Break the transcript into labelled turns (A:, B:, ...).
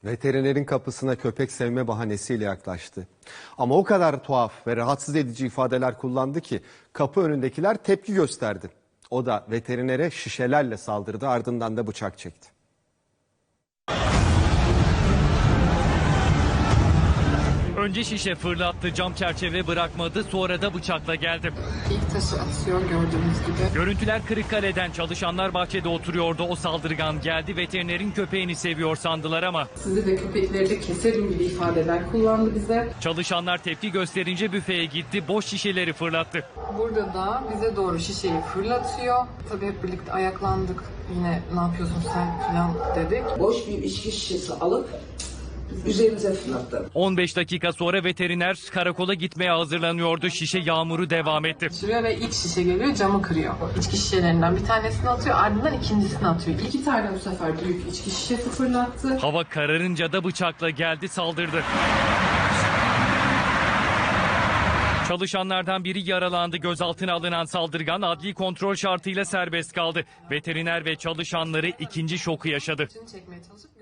A: Veterinerin kapısına köpek sevme bahanesiyle yaklaştı. Ama o kadar tuhaf ve rahatsız edici ifadeler kullandı ki kapı önündekiler tepki gösterdi. O da veterinere şişelerle saldırdı, ardından da bıçak çekti.
B: Önce şişe fırlattı, cam çerçeve bırakmadı, sonra da bıçakla geldi.
C: İlk taşı atıyor gördüğünüz gibi.
B: Görüntüler Kırıkkale'den, çalışanlar bahçede oturuyordu. O saldırgan geldi, veterinerin köpeğini seviyor sandılar ama.
C: Sizi de köpekleri de keserim gibi ifadeler kullandı bize.
B: Çalışanlar tepki gösterince büfeye gitti, boş şişeleri fırlattı.
C: Burada da bize doğru şişeyi fırlatıyor. Tabii hep birlikte ayaklandık. Yine ne yapıyorsun sen falan dedik.
D: Boş bir içki şişesi alıp üzerimize fırlattı.
B: 15 dakika sonra veteriner karakola gitmeye hazırlanıyordu. Şişe yağmuru devam etti.
C: Sürüyor ve ilk şişe geliyor, camı kırıyor. İçki şişelerinden bir tanesini atıyor, ardından ikincisini atıyor. 2 tane bu sefer büyük içki şişesi fırlattı.
B: Hava kararınca da bıçakla geldi, saldırdı. Çalışanlardan biri yaralandı. Gözaltına alınan saldırgan adli kontrol şartıyla serbest kaldı. Veteriner ve çalışanları ikinci şoku yaşadı.
C: Çekmeye çalışıp